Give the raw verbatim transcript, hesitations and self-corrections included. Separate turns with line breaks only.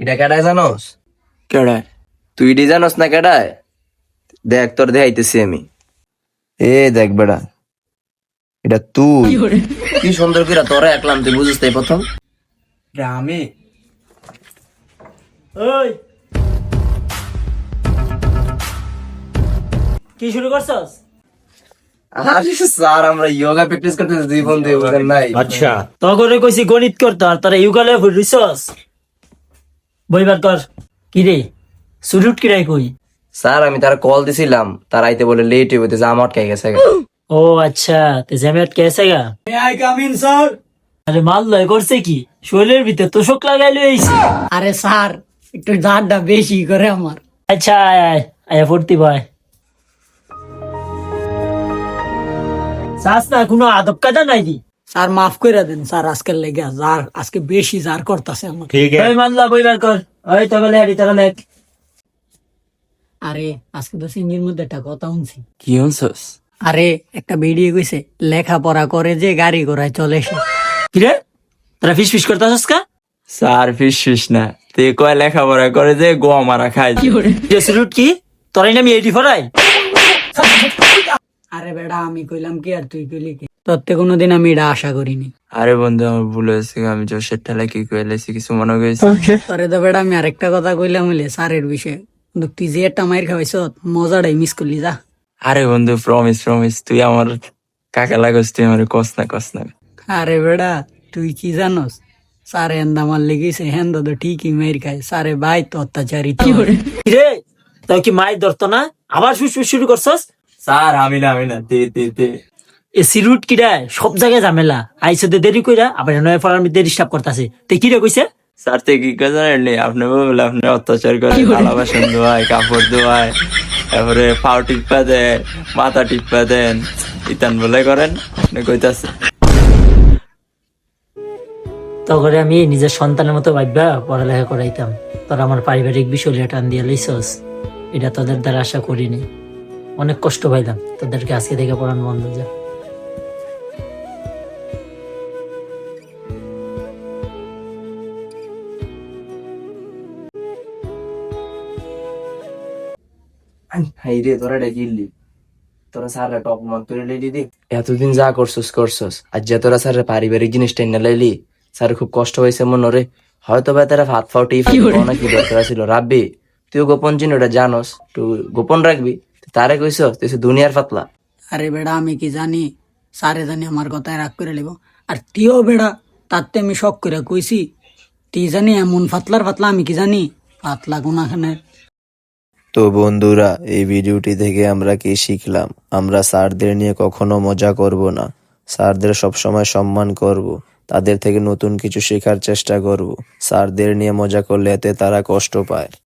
এটা কেডায় জানোস?
কেডায়?
তুই এটি জানোস না কেডায়? দেখ তোর দেখাইতেছি আমি। এ দেখ বেড়া, এটা তুই। কি সুন্দর করে তোরা একলাম, তুই বুঝিস তাই প্রথম।
আমি
ওই কি শুরু করছস?
আরে স্যার, আমরা যোগা প্র্যাকটিস করতেছি দুই বন্ধু, বুঝেন নাই?
আচ্ছা, তগরে কইছি গণিত করতে, আর তারা ইউগালে ফুরিছস। বইবার কর। কি রে সুরুট কিরাই কই?
স্যার আমি তার কল দিছিলাম, তার আইতে বলে লেট হইতে, যা আটকাই গেছে।
ও আচ্ছা, তে জ্যামেট কেসে গা?
May I come in sir?
আরে মাল লয় করছে কি? শরীরের ভিতর তোষক লাগাইলো এইছি।
আরে স্যার, একটু দাঁড়টা বেশি করে আমার।
আচ্ছা আয় আয় আয় ফুর্তি ভাই। চাস না কোনো আদব কায়দা নাই দি?
স্যার মাফ করে দেন স্যার, আজকের লেগে যার আজকে বেশি জার করতেছে আমার।
ওই মানলা বইবার কর। ওই তবে লেহারি তারা লেখ।
আরে আজকে তো সিঙ্গির মধ্যে একটা কথা শুনছি।
কি হনছস?
আরে একটা ভিডিও কইছে লেখাপড়া করে যে গাড়ি ঘোড়ায় চলে এসে।
কিরে তোরা ফিস ফিস করতেছস কা?
স্যার ফিস ফিস না, তুই কয় লেখাপড়া করে যে গোয়া মারা খায়।
সুরুট কি তোরাই নামি এইটি ফরাই?
আরে বেড়া, আমি কইলাম কি আর তুই কইলি কি? তোর থেকে কোনোদিন আমি এটা আশা করিনি।
আরে বন্ধু আমার ভুল হয়েছে, আমি জোশের ঠেলা কি কইলেছি, কিছু মনে করেছি।
তোরে তো বেড়া আমি আরেকটা কথা কইলাম হইলে স্যারের বিষয়ে, কিন্তু তুই যে একটা মাইর খাওয়াইছ মজাটাই মিস করলি যা।
আরে বন্ধু প্রমিস প্রমিস, তুই আমার কাকা লাগস, তুই আমার কস না কস না।
আরে বেড়া, তুই কি জানোস? সারে হেন্দা মার লেগেছে, হেন্দা তো ঠিকই মেয়ের খায়। সারে ভাই তো অত্যাচারী তো।
কিরে তাই কি মায়ের ধরতো না? আবার ফুস ফুস শুরু করছস?
স্যার আমি না আমি না তে তে তে
এ সিরুট কিরা সব জায়গায় ঝামেলা। আইসো দে দেরি কইরা আবার নয় ফলার মধ্যে ডিস্টার্ব করতেছে। তে কিরে কইছে?
স্যার তে কি কথা জানেন? আপনি বলে আপনি অত্যাচার করে, থালা বাসন ধোয়ায়, কাপড় ধোয়ায়, তারপরে পাও টিপা দেয়, মাথা টিপা দেন, ইতান বলে করেন, আপনি কইতাছে।
তখন আমি নিজের সন্তানের মতো ভাববা পড়ালেখা করাইতাম, তোর আমার পারিবারিক বিষয় টান দিয়ে লইছস। এটা তোদের দ্বারা আশা করিনি, অনেক কষ্ট পাইলাম। তোদেরকে আজকে থেকে পড়ানো বন্ধ যা।
হাই রে, তোরা এটা কিনলি, তোরা স্যারের টপ মার্ক করে লাইলি দি। এতদিন যা করছস করছস, আর যে তোরা স্যারের পারিবারিক জিনিসটা না লাইলি, স্যার খুব কষ্ট হয়েছে মনে রে। হয়তো বা তারা হাত ফাউটি না, কি দরকার ছিল রাব্বি? তুইও গোপন চিহ্নটা জানোস, তুই গোপন রাখবি। তারে কইছ তুই দুনিয়ার পাতলা।
আরে বেড়া, আমি কি জানি সারে জানি আমার কথায় রাগ করে লিব। আর তুইও বেড়া, তাতে আমি শখ করে কইছি। তুই জানি এমন ফাতলার ফাতলা, আমি কি জানি পাতলা কোনাখানে।
তো বন্ধুরা, এই ভিডিওটি থেকে আমরা কি শিখলাম? আমরা স্যারদের নিয়ে কখনো মজা করব না, স্যারদের সবসময় সম্মান করব, তাদের থেকে নতুন কিছু শেখার চেষ্টা করব। স্যারদের নিয়ে মজা করলে এতে তারা কষ্ট পায়।